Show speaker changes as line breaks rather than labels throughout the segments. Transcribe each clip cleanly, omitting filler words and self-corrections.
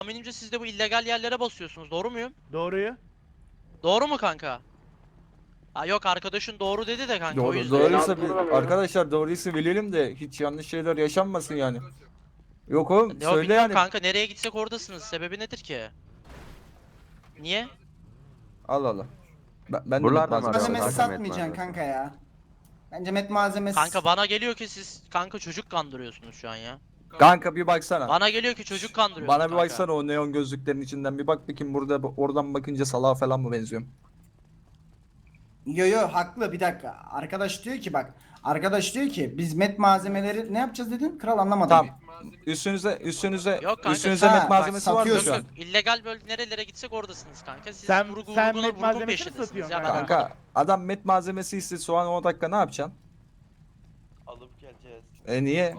Tahminimce siz de bu illegal yerlere basıyorsunuz. Doğru muyum?
Doğruyu.
Doğru mu kanka? Ha yok, arkadaşın doğru dedi de kanka, o
Doğru,
yüzden.
doğruysa arkadaşlar doğruysa bilelim de hiç yanlış şeyler yaşanmasın yani. Yok oğlum
Ya
söyle
bilmiyorum
yani.
kanka, nereye gitsek oradasınız. Sebebi nedir ki? Niye?
Allah Allah. Ben de
Buralarda mı
malzeme
arıyorlar?
Malzemesi
Kanka,
satmayacaksın
met
kanka ya. Bence met malzemesi.
Kanka bana geliyor ki siz kanka çocuk kandırıyorsunuz şu an ya.
Kanka bir baksana.
Bana geliyor ki çocuk kandırıyorsunuz
Bana bir
kanka.
baksana o neon gözlüklerin içinden bir bak bakayım burada oradan bakınca salağa falan mı benziyorum?
Yo haklı, bir dakika. Arkadaş diyor ki bak. Arkadaş diyor ki biz met malzemeleri ne yapacağız dedin? Kral anlamadım.
Tamam. Üstünüze
Yok kanka,
üstünüze
ha,
met
bak,
malzemesi var mı
satıyorsun.
şu an?
Yok, illegal bölge nerelere gitsek oradasınız kanka. Siz
Sen-
vurgun
sen met
vurgun
malzemesini
peşindesiniz
satıyorsun
ya, ben
kanka.
anlamadım.
Kanka adam met malzemesi istedi soğan 10 dakika ne yapacaksın?
Alıp geleceğiz.
Niye?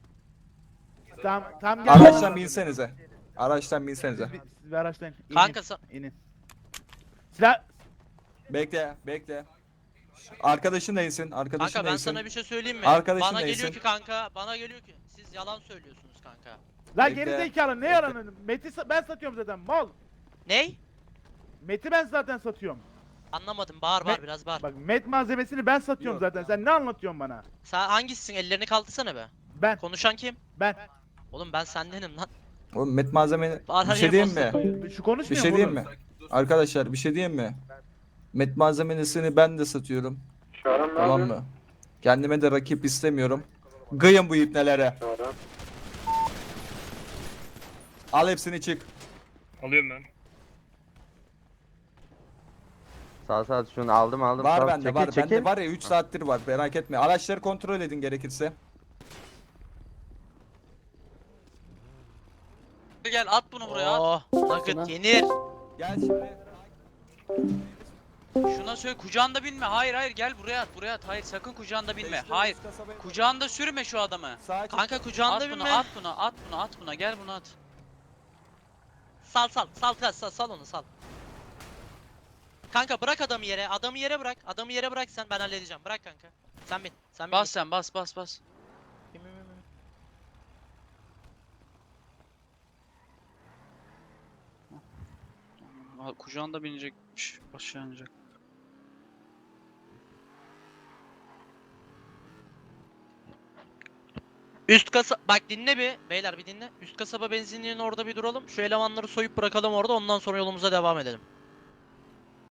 Tam gel.
Araçtan binsenize. Araçtan binsenize.
Siz bir araçtan inin.
Kanka
inin. Silah.
Bekle. Arkadaşın da insin. Arkadaşın
kanka
da
ben
insin.
sana bir şey söyleyeyim mi?
Arkadaşın
Bana
neyse.
geliyor ki kanka, bana geliyor ki siz yalan söylüyorsunuz kanka.
La
Bekle.
geri zekalı ne
Bekle.
yalanın? Ben satıyorum zaten mal.
Ney?
Meti ben zaten satıyorum.
Anlamadım, bağır
Me-
biraz bağır.
Bak met malzemesini ben satıyorum
Yok.
zaten. Sen ne anlatıyorsun bana?
Sen hangisisin? Ellerini kaldırsana be.
Ben.
Konuşan kim?
Ben.
Oğlum ben sendenim lan.
Oğlum met malzemeni
Bana
bir şey
niye
diyeyim mi?
bastın?
Şu konuşmuyor
Bir şey
mu
diyeyim
oğlum?
mi? Arkadaşlar bir şey diyeyim mi? Met malzemesini ben de satıyorum. Tamam mı? Kendime de rakip istemiyorum. Gıyın bu ipnelere. Al hepsini çık.
Alıyorum ben.
Sağ şunu aldım.
Var
Sağ,
bende
çekil,
var.
çekil.
Bende var ya 3 saattir var. Merak etme. Araçları kontrol edin gerekirse.
Gel at bunu buraya at.
Oh, nugget yenir.
Gel şimdi.
Şuna söyle kucağında binme. Hayır gel buraya at. Hayır sakın kucağında binme.
Beşte
Hayır.
üst kasabaya-
Kucağında sürme şu adamı.
Sağa çek.
Kanka kucağında
At bunu,
binme.
at buna. Gel bunu at.
Sal onu sal. Kanka bırak adamı yere. Adamı yere bırak sen, ben halledeceğim. Bırak kanka. Sen bin.
Bas sen bas.
Bin.
Kucağında binecekmiş. Aşağı inecek.
Üst kasa bak, dinle bir beyler, bir dinle. Üst kasaba benzinliğinin orada bir duralım. Şu elemanları soyup bırakalım orada, ondan sonra yolumuza devam edelim.